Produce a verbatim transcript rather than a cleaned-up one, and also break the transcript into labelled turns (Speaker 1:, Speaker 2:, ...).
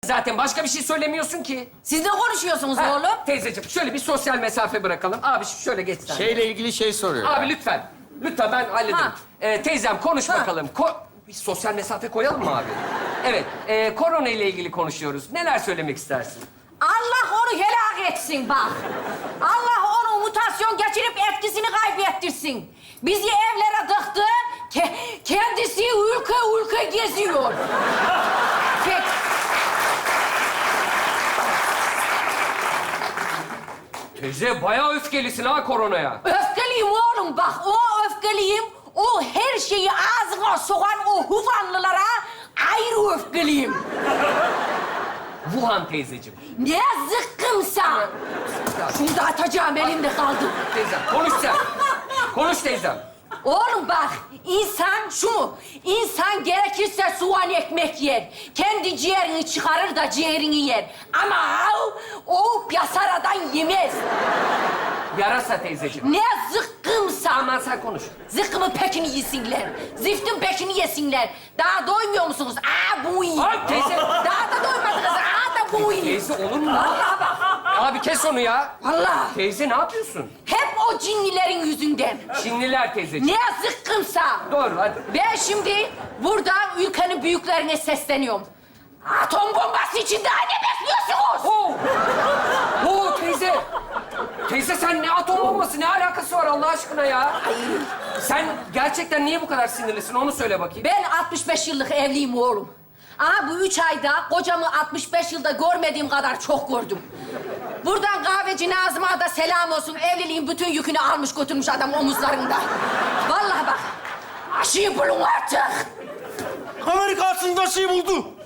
Speaker 1: zaten. Başka bir şey söylemiyorsun ki.
Speaker 2: Siz ne konuşuyorsunuz
Speaker 1: Ha,
Speaker 2: oğlum?
Speaker 1: Teyzeciğim şöyle bir sosyal mesafe bırakalım. Abi şöyle geç sen.
Speaker 3: Şeyle ilgili şey soruyor.
Speaker 1: Abi lütfen. Lütfen ben hallederim.
Speaker 2: Ha.
Speaker 1: Ee, teyzem konuş
Speaker 2: Ha.
Speaker 1: bakalım. Ko bir sosyal mesafe koyalım mı abi? Evet. E, korona ile ilgili konuşuyoruz. Neler söylemek istersin?
Speaker 2: Allah onu helak etsin bak. Allah onu mutasyon geçirip etkisini kaybettirsin. Bizi evlere tıktı, ke kendisi ülke ülke geziyor. Peki.
Speaker 1: Teyze bayağı öfkelisin ha koronaya.
Speaker 2: Öfkeliyim oğlum bak, o öfkeliyim. O her şeyi ağzına sokan o Hufanlılara ayrı öfkeliyim.
Speaker 1: Wuhan teyzeciğim.
Speaker 2: Ne zıkkımsa. Şunu da atacağım, elimde kaldı.
Speaker 1: Teyzem konuş sen. Konuş teyzem.
Speaker 2: Oğlum bak, insan şu mu? İnsan gerekirse soğan ekmek yer. Kendi ciğerini çıkarır da ciğerini yer. Ama o yasaradan yemez.
Speaker 1: Yarasa teyzeciğim.
Speaker 2: Ne zıkkımsa.
Speaker 1: Aman sen konuş.
Speaker 2: Zıkkımın pekini yesinler. Ziftin pekini yesinler. Daha doymuyor musunuz? Aa bu iyi.
Speaker 1: Ay teyze.
Speaker 2: Daha da doymadınız. Aa da bu iyi.
Speaker 1: Teyze olur mu?
Speaker 2: Vallahi bak.
Speaker 1: Abi kes onu ya.
Speaker 2: Vallahi.
Speaker 1: Teyze ne yapıyorsun?
Speaker 2: Hep o cinlilerin yüzünden.
Speaker 1: Çinliler teyzeciğim.
Speaker 2: Ne zıkkımsa.
Speaker 1: Doğru hadi.
Speaker 2: Ben şimdi burada ülkenin büyüklerine sesleniyorum. Atom bombası için daha ne bekliyorsunuz?
Speaker 1: Oo. Oo teyze. Teyze sen ne atom bombası ne alakası var Allah aşkına ya? Sen gerçekten niye bu kadar sinirlisin onu söyle bakayım.
Speaker 2: Ben altmış beş yıllık evliyim oğlum. Ama bu üç ayda kocamı altmış beş yılda görmediğim kadar çok gördüm. Buradan kahveci Nazım'a da selam olsun. Evliliğin bütün yükünü almış götürmüş adam omuzlarında. Vallahi bak. Aşıyı bulun artık.
Speaker 3: Amerika aslında şey buldu.